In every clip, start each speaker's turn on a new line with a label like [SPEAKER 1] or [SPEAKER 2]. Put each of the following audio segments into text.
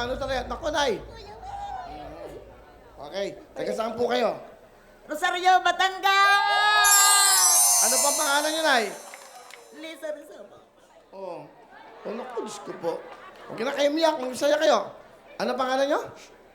[SPEAKER 1] ano talaga. Naku, Nay. Okay. Taga saan po kayo?
[SPEAKER 2] Rosario, Batangas!
[SPEAKER 1] Ano pa pangalan niyo, Nay?
[SPEAKER 2] Lisa Rizaba.
[SPEAKER 1] Oh. Oh, naku, Diyos ko po. Huwag na kayo miyak. Masaya kayo. Ano pangalan niyo?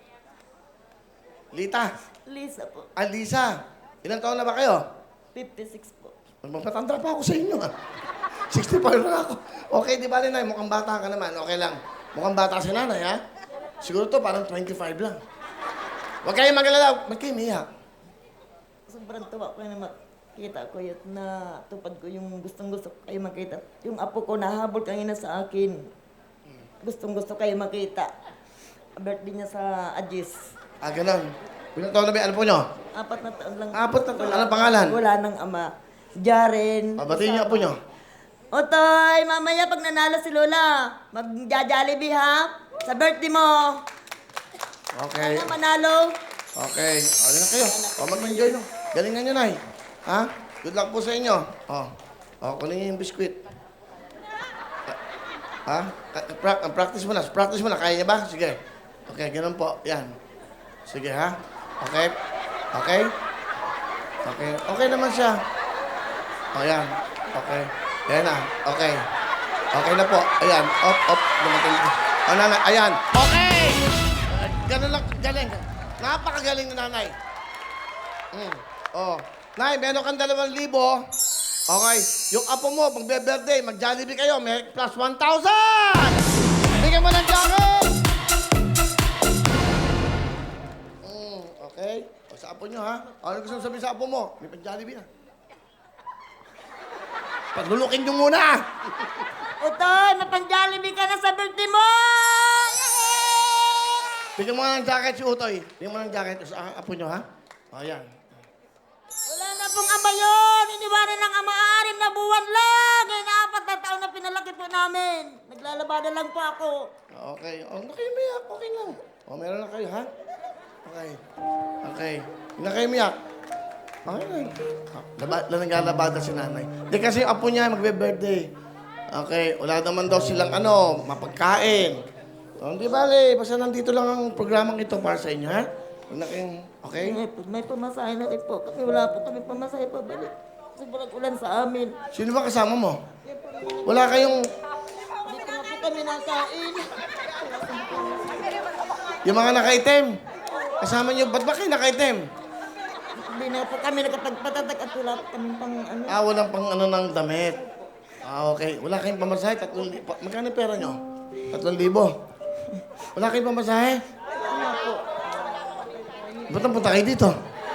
[SPEAKER 1] Lita.
[SPEAKER 2] Lisa po.
[SPEAKER 1] Alisa. Ilang taon na ba kayo?
[SPEAKER 2] 56 po.
[SPEAKER 1] Magpatanda pa ako sa inyo, ah. 65 na ako. Okay, di ba, Nay? Mukhang bata ka naman. Okay lang. Mukhang bata si nanay, ha? Siguro to parang 25 lang. Huwag kayong mag-alala. Ba't kayo umiyak?
[SPEAKER 2] Sobrang tuwa ko na makita ko yun na tupad ko yung gustong-gusto ko kayo makita. Yung apo ko nahabol kanina sa akin. Gustong-gusto kayo makita. Birthday niya sa Agis.
[SPEAKER 1] Ah, ganun. Ilang taon na ba? Ano po nyo?
[SPEAKER 2] 4 na taon lang.
[SPEAKER 1] 4 na taon. Anong pangalan?
[SPEAKER 2] Wala ng ama. Jaren.
[SPEAKER 1] Batiin niyo po nyo.
[SPEAKER 2] Otoy, mamaya pag nanalo si Lola, mag-Jollibee ha? Sa birthday mo.
[SPEAKER 1] Okay.
[SPEAKER 2] Sana manalo.
[SPEAKER 1] Okay. O, na kayo. O, mag-enjoy no. Galingan nyo, Nay. Ha? Good luck po sa inyo. O. O, kunin niyo yung biskwit. Ha? Practice mo na. Practice mo na. Kaya niya ba? Sige. Okay, ganun po. Yan. Sige, ha? Okay? Okay? Okay. Okay naman siya. O, yan. Okay. Yan na. Okay. Okay na po. Ayan. Op. Dumating. O, nanay. Ayan. Okay! Ganun lang. Galing. Napakagaling na nanay. Oh. Nay, meron kang 2,000. Okay. Yung apo mo, magbe-birthday, mag-Jollibee kayo, may plus 1,000! Bigyan mo ng jacket! Okay. O, sa apo nyo, ha? Ano gusto sabihin sa apo mo? May pag-Jollibee na. Paglulukin nyo muna!
[SPEAKER 2] Otoy, mapang-Jollibee ka na sa birthday mo!
[SPEAKER 1] Bigyan mo ng jacket si Utoy. Bigyan mo ng jacket sa apo nyo, ha? O, yan.
[SPEAKER 2] Wala na pong ama yun! Iniwanan ng ama 6 na buwan lang! Ngayon na 4 na taon na pinalaki po namin. Naglalabada lang po ako.
[SPEAKER 1] Okay. O, nakimiyak. Okay lang. O, meron na kayo, ha? Okay. Okay. Hindi na kayo miyak. Okay lang. Naglalabada si nanay. Hindi kasi yung apo niya magbe-birthday. Okay. Wala naman daw silang mapagkain. O, hindi bale. Basta nandito lang ang programang ito para sa inyo, ha? Huwag na kayong... Okay?
[SPEAKER 2] May pamasahe na rin po. Kami wala po kami pamasahe pa balik. Sobrang ulan sa amin.
[SPEAKER 1] Sino ba kasama mo? Wala kayong...
[SPEAKER 2] Hindi ko na po kami nakain.
[SPEAKER 1] Yung mga nakaitim. Kasama niyo, ba't ba kayo nakaitim?
[SPEAKER 2] Hindi na po kami nakapagpatatak at wala po kami pang ano.
[SPEAKER 1] Walang pang ng damit. Okay. Wala kayong pamasahe, 3,000. Magkano pera nyo? 3,000. Wala kayong pamasahe?
[SPEAKER 2] Ano po?
[SPEAKER 1] Ba't ang punta kayo dito?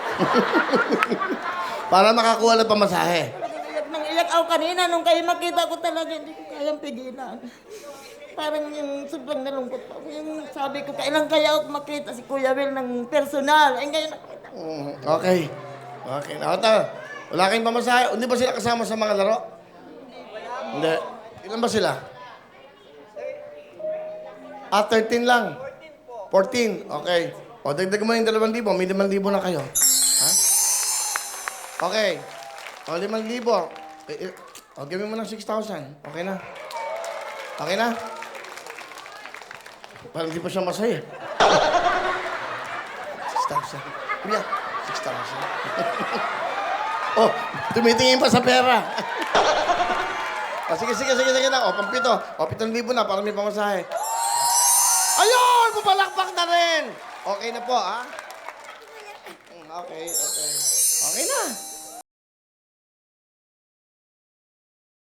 [SPEAKER 1] Para makakuha ng pamasahe.
[SPEAKER 2] Iyak nang iyak ako kanina nung kayo makita ko talaga hindi ko kayang pigilan. Parang yung sobrang nalungkot pa. Yung sabi ko, kailan kaya ako makita si Kuya Will ng personal. Ay, ngayon nakita.
[SPEAKER 1] Okay. Okay. Nakata. Wala kayong pamasahe. Hindi ba sila kasama sa mga laro? Hindi. Ilan ba sila? 13 lang. 14. Okay. O, dagdag mo yung 2,000. May 5,000 na kayo. Ha? Okay. O, 5,000. O, gawin mo ng 6,000. Okay na? Okay na? Parang hindi pa siya masaya. 6,000. Kuya, 6,000. Oh, tumitingin pa sa pera. O, sige na. O, pampito. O, 7,000 na para may pamasahe. Ayun! Pupalakpak na rin! Okay na po, ha? Okay. Okay na.